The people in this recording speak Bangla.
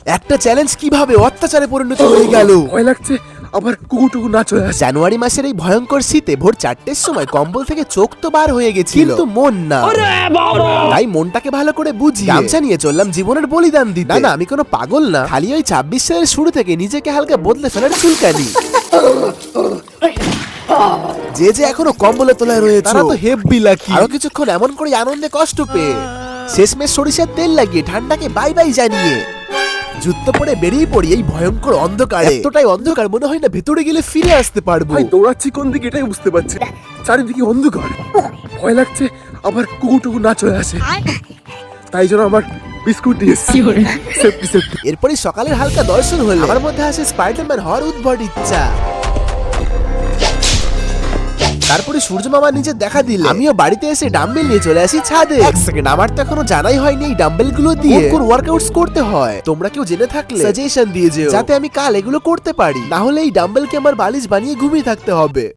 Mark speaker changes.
Speaker 1: একটা চ্যালেঞ্জ কিভাবে অত্যাচারে পরিণত হয়ে গেল।
Speaker 2: ভয় লাগছে আবার কুকুরটুকু না চলে আসে।
Speaker 1: জানুয়ারি মাসের এই ভয়ঙ্কর শীতে ভোর 4টের সময় কম্বল থেকে চোখ তো বার হয়ে গেছিল, কিন্তু মন না। তাই মনটাকে ভালো করে বুঝি গামছা নিয়ে চললাম জীবনের বলিদান দিতে। না আমি কোনো পাগল না, খালি ওই 26 সালের শুরু থেকে নিজেকে হালকা বদলে ফেলার চুলকানি। যে যে এখনো কম্বলে তোলায় রয়েছে তারা তো হেব্বি লাকি। আরো কিছুক্ষণ এমন করে আনন্দে কষ্ট পেয়ে শেষমেশ সরিষার তেল লাগিয়ে ঠান্ডাকে বাই বাই জানিয়ে যুদ্ধ পরে বেরিয়ে পড়ি এই ভয়ঙ্কর অন্ধকারে। এতটাই অন্ধকার মনে হয় না ভেতরে গেলে ফিরে আসতে পারবো।
Speaker 2: ভাই দৌড়াচ্ছি কোন দিকে এটাই বুঝতে পারছি না। চারিদিকে অন্ধকার, ভয় লাগছে আবার কুকুরটুকু না চলে আসে। তাই জন্য আমার বিস্কুট দিয়েছি সেফটি সেফটি।
Speaker 1: এরপরই সকালের হালকা দর্শন হলো, আমার মধ্যে আসে স্পাইডারম্যান হওয়ার উদ্ভট ইচ্ছা। তারপরে সূর্য মামা নিজে দেখা দিল, আমিও বাড়িতে এসে ডাম্বেল নিয়ে চলে আসি ছাদে। এক সেকেন্ড, আমার তো এখনো জানাই হয়নি এই ডাম্বেল গুলো দিয়ে কোন ওয়ার্কআউটস করতে হয়। তোমরা কেউ জেনে থাকলে সাজেশন দিয়ে যেও, যাতে আমি কাল এগুলো করতে পারি। না হলে এই ডাম্বেলকে আমার বালিশ বানিয়ে ঘুমিয়ে থাকতে হবে।